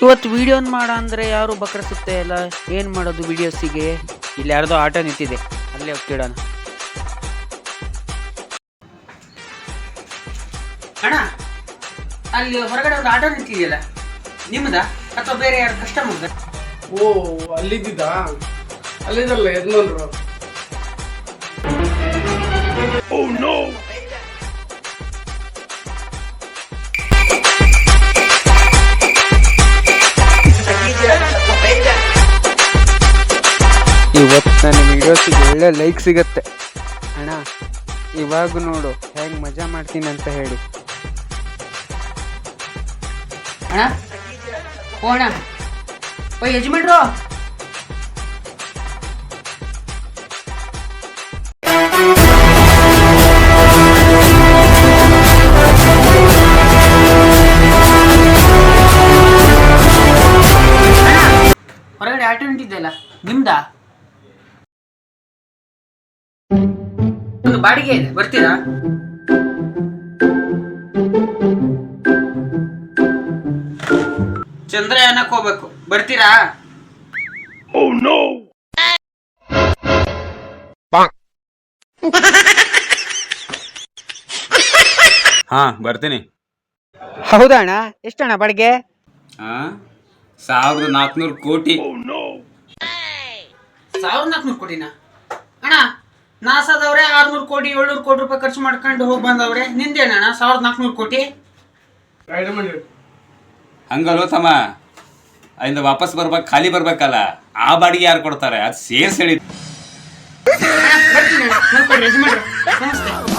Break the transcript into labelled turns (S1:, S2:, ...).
S1: ಇವತ್ತು ವಿಡಿಯೋ ಮಾಡ ಅಂದ್ರೆ ಯಾರು ಬಕ್ರಸುತ್ತೆ ಅಲ್ಲ, ಏನ್ ಮಾಡೋದು ವಿಡಿಯೋಸಿಗೆ? ಇಲ್ಲಿ ಯಾರ್ದೋ ಆಟೋ ನಿಂತಿದೆ, ಅಲ್ಲೇ ಹೋಗ್ತಿಡೋಣ. ಅಣ್ಣ, ಅಲ್ಲಿ ಹೊರಗಡೆ ಒಂದು ಆಟೋ ನಿಂತಿದೆಯಲ್ಲ, ನಿಮ್ಮದ ಅಥವಾ ಬೇರೆ ಯಾರು ಕಸ್ಟಮರ್?
S2: ಓ, ಅಲ್ಲಿದ್ದ ಅಲ್ಲಿದಲ್ಲ ಯಜಮಾನ್ರು.
S1: ಇವತ್ತು ನನ್ನ ವಿಡಿಯೋಸಿಗೆ ಒಳ್ಳೆ ಲೈಕ್ ಸಿಗತ್ತೆ ಅಣ್ಣ. ಇವಾಗ ನೋಡು ಹೇಗೆ ಮಜಾ ಮಾಡ್ತೀನಿ ಅಂತ ಹೇಳಿ. ಅಣ್ಣ, ಓ ಅಣ್ಣ, ಓ ಯಜಮಾನ್ರು, ಹೊರಗಡೆ ಆಟೋ ನಿಂತಿದ್ದೆಲ್ಲ ನಿಮ್ದಾ? ಒಂದು ಬಾಡಿಗೆ ಇದೆ, ಬರ್ತೀರಾ? ಚಂದ್ರಯಾನಕ್ಕೆ ಹೋಗ್ಬೇಕು, ಬರ್ತೀರಾ?
S3: ಹಾ, ಬರ್ತೀನಿ.
S1: ಹೌದಾ ಅಣ್ಣ? ಎಷ್ಟಣ್ಣ ಬಾಡಿಗೆ?
S3: 1400 ಕೋಟಿ.
S1: 1400 ಕೋಟಿನಾ? ಅಣ್ಣ, ನಾಸಾದವ್ರೆ 600 ಕೋಟಿ 700 ಕೋಟಿ ರೂಪಾಯಿ ಖರ್ಚು ಮಾಡ್ಕೊಂಡು ಹೋಗಿ ಬಂದವ್ರೆ, ನಿಂದೇನಣ್ಣ 1400 ಕೋಟಿ?
S3: ಹಂಗಲ್ವ ತಮ್ಮ, ಅಲ್ಲಿಂದ ವಾಪಸ್ ಬರ್ಬೇಕು, ಖಾಲಿ ಬರ್ಬೇಕಲ್ಲ, ಆ ಬಾಡಿಗೆ ಯಾರು ಕೊಡ್ತಾರೆ? ಅದು ಸೇರ್ಸ್ ಹೇಳಿ.
S1: ಬರ್ತೀನಿ ಅಣ್ಣ, ನಮಸ್ತೆ.